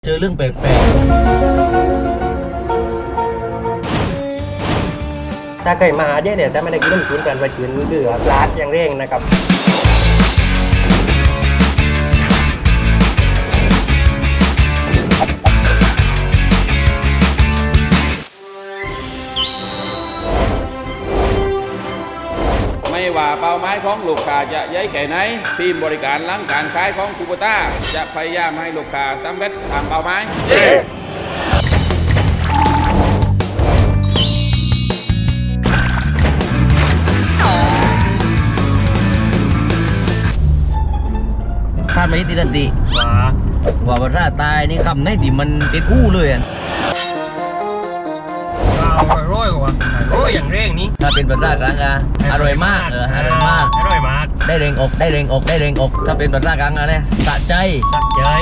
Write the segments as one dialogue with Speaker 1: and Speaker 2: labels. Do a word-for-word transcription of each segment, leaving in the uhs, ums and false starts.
Speaker 1: เจอเรื่องแปลกๆถ้าเคยมาเดี๋ยวเนี่ยถ้าไม่ได้กินน้ำจิ้มกันไปกินคือร้านอย่างเร่งนะครับ
Speaker 2: ไม่ว่าเป้าหมายของลูกค้าจะย้ายแค่ไหนทีมบริการหลังการขายของคูโบต้าจะพยายามให้ลูกค้าสำเร็จตามเป้าหมาย
Speaker 1: คาดไม่ติดตันติว่าว่าภาษาตายนี่คำไหนที่มันเป็นอู้เลยอ่ะอร่อยกว่าอร่อยอย่างเร่งนี้ถ้าเป็นภาษากลางอะอร่อยมากเอออร่อยมากอร่อยมากได้แรงอกได้แรงอกได้แรงอกถ้าเป็นภาษากลางอะเนี่ยสะใจสะใจ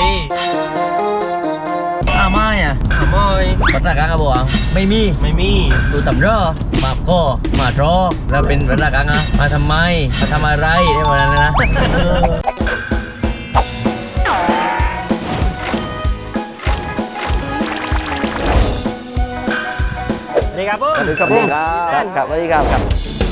Speaker 1: อ้าไม่อะอ้าไม่ภาษากลางอะบอกไม่มีไม่มีดูตำรอมาก็มาทอแล้วเป็นภาษากลางอะมาทำไมมาทำอะไรได้หมดเลยนะสวัสดีครับผมสวัสดีครับผมครับครับสวัสดีครับครับ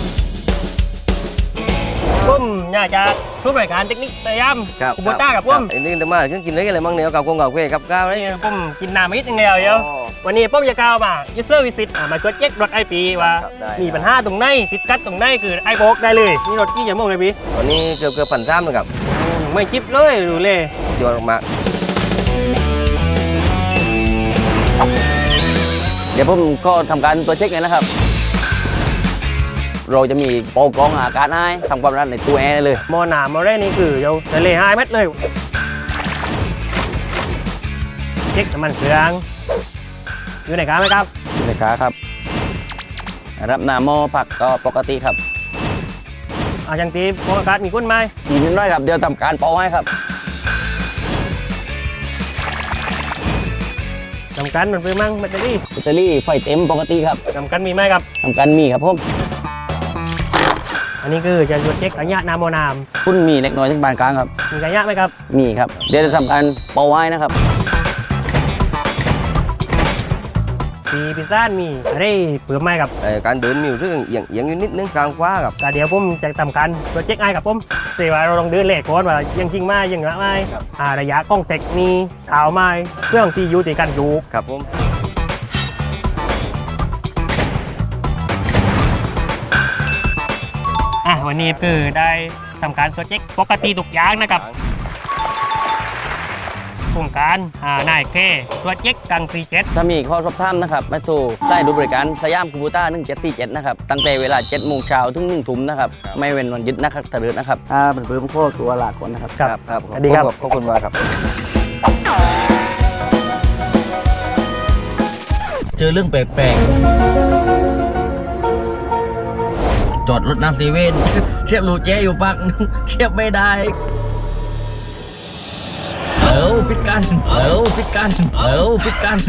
Speaker 1: ผมอยากจะช่วยบริการเทคนิคสยามคูโบต้ากับผมอันนี้จะมาเครื่องกินอะไรมั่งเนี่ยกับกงกับเกกับก้าวอะไรเงี้ยผมกินน้ำมิดอย่างเดียวเดียววันนี้ผมจะก้าวมายูเซอร์วิสิตมาช่วยเช็ครถไอปีว่ามีปัญหาตรงไหนติดกัดตรงไหนคือไอโบกได้เลยนี่รถกี่อย่างมั่งเลยพี่วันนี้เกือบเกือบพันสามเลยครับไม่จิ๊บเลยดูเลยยอดมากเดี๋ยวผมก็ทำการตัวเช็คเลยนะครับเราจะมีโปรกรองอากาศให้ทำความร้อนในตัวแอร์เลยมอหนามอแรกนี่คือเดี๋ยวทะเลห้าเมตรเลยเช็คน้ำมันเครื่องอยู่ไหนครับไหมครับอยู่ไหนครับรับน้ำมอผักก็ปกติครับอาจังตีโปรอากาศมีกุ้นไหมมีนิดหน่อยครับเดี๋ยวทำการเป่าให้ครับจำกันมันเป็นมั่งแบตเตอรี่แบตเตอรี่ไฟเต็มปกติครับจำกันมีไหมครับจำกันมีครับผมอันนี้คือจะตรวจเช็คระยะน้ำโมนามคุณมีเล็กน้อยที่บานกลางครับมีระยะไหมครับมีครับเดี๋ยวจะทำการเป่าไว้นะครับปีพิซซ่ามีอะไรเพิ่มไหมครับการเดินมีเรื่องเอียงเอียงนิดนึงกลางฟ้าครับแต่เดี๋ยวผมจะทำการตรวจเช็คไอ้กับผมเสียว่าเราลองเดินเลขก่อนว่ายังจริงไหมยังละไหมระยะกล้องเทคมีเท้าไหมเครื่องที่อยู่ติดกันอยู่ครับผมอ่ะวันนี้คือได้ทำการตรวจเช็คปกติทุกอย่างนะครับโครงการอ่านายเคตรวจเช็คกังซีเจ็ดถ้ามีข้อสอบถามนะครับมาสู่ใช้ดูบริการสยามคูโบต้าหนึ่งเจ็ดสี่เจ็ดนะครับตั้งแต่เวลาเจ็ดโมงเช้าถึงหนึ่งทุ่มนะครับไม่เว้นวันหยุดนะครับตลอดนะครับอ่าเป็นเพิ่มข้อตัวหลักก่อนนะครับครับครับสวัสดีครับขอบคุณมากครับเจอเรื่องแปลกๆจอดรถน้ำเซเว่นเทียบรูเจอยู่ปักเทียบไม่ได้เอ้าพิดกันเอ้าพิดกันเอ้าพิดกัน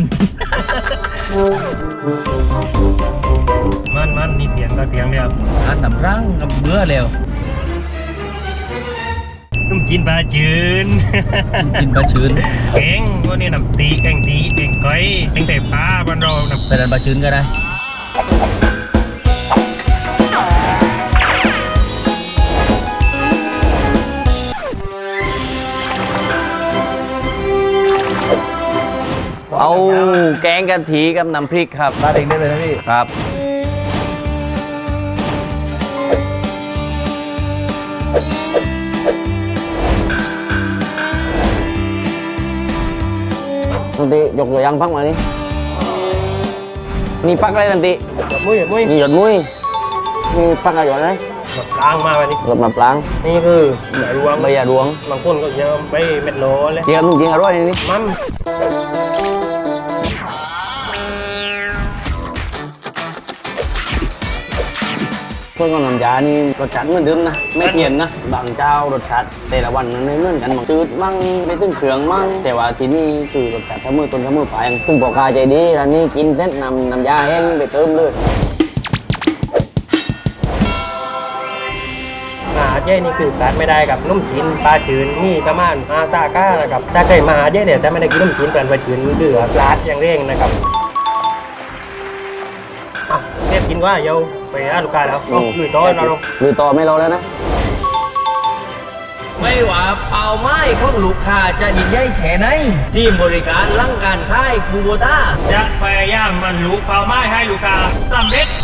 Speaker 1: มันมันนี่เตียงก็เตียงเดียวอันทำรังกับเบื่อแล้วนุ่มกินปลาจืนกินปลาจืนเก่งพวกนี้น้ำตีแกงตีแกงก้อยแกงแต่ปลาบ้านเราไปดันปลาจืนก็ได้เอาแกงกะทิกับน้ำพริกครับราดเองได้เลยนะพี่ครับนันติยกตัวอย่างพักมานี่นี่พักอะไรนันติหยดมุ้ยหยดมุ้ยนี่หยดมุ้ยนี่พักอะไรหยดอะไรหยดปลางมาวันนี้หยดมาปลางนี่คือใบรวงใบยาดวงบางคนก็เยอะใบเม็ดโลเลยเจียวนุ่งจริงอร่อยนี่มันเพื่อนกับน้ำยานี่รสชาติเหมือนเดิมนะไม่เปลี่ยนนะบางเจ้ารสชาติแต่ละวันมันไม่เหมือนกันบางจืดมั่งไม่ตึ้งเครื่องมั่งแต่ว่าที่นี่คือรสชาติเสมอต้นเสมอปลายซึ่งบอกกาใจดีร้านนี้กินเส้นนำน้ำยาแห้งไปเติมเลยจเย่นี่คือขาดไม่ได้กับนุ่มจีนปลาจืนนี่ประมาณอาซาก้านะครับถ้าเคยมาหาเย่เดี๋ยวจะไม่ได้กินนุ่มจีนเป็นปลาจืนเดือดปลาดอย่างเร่งนะครับอ่ะเรียบกินว่าเยาไปหาลูกค้าแล้วลุยต่อเราลง
Speaker 3: ลุยต่อไม่รอแล้วนะ
Speaker 4: ไม่ว่าเป้าหมายของลูกค้าจะยิ่งใหญ่แค่ไหนทีมบริการหลังการขายคูโบต้า
Speaker 1: จะพยายามบรรลุเป้าหมายให้ลูกค้าสำเร็จ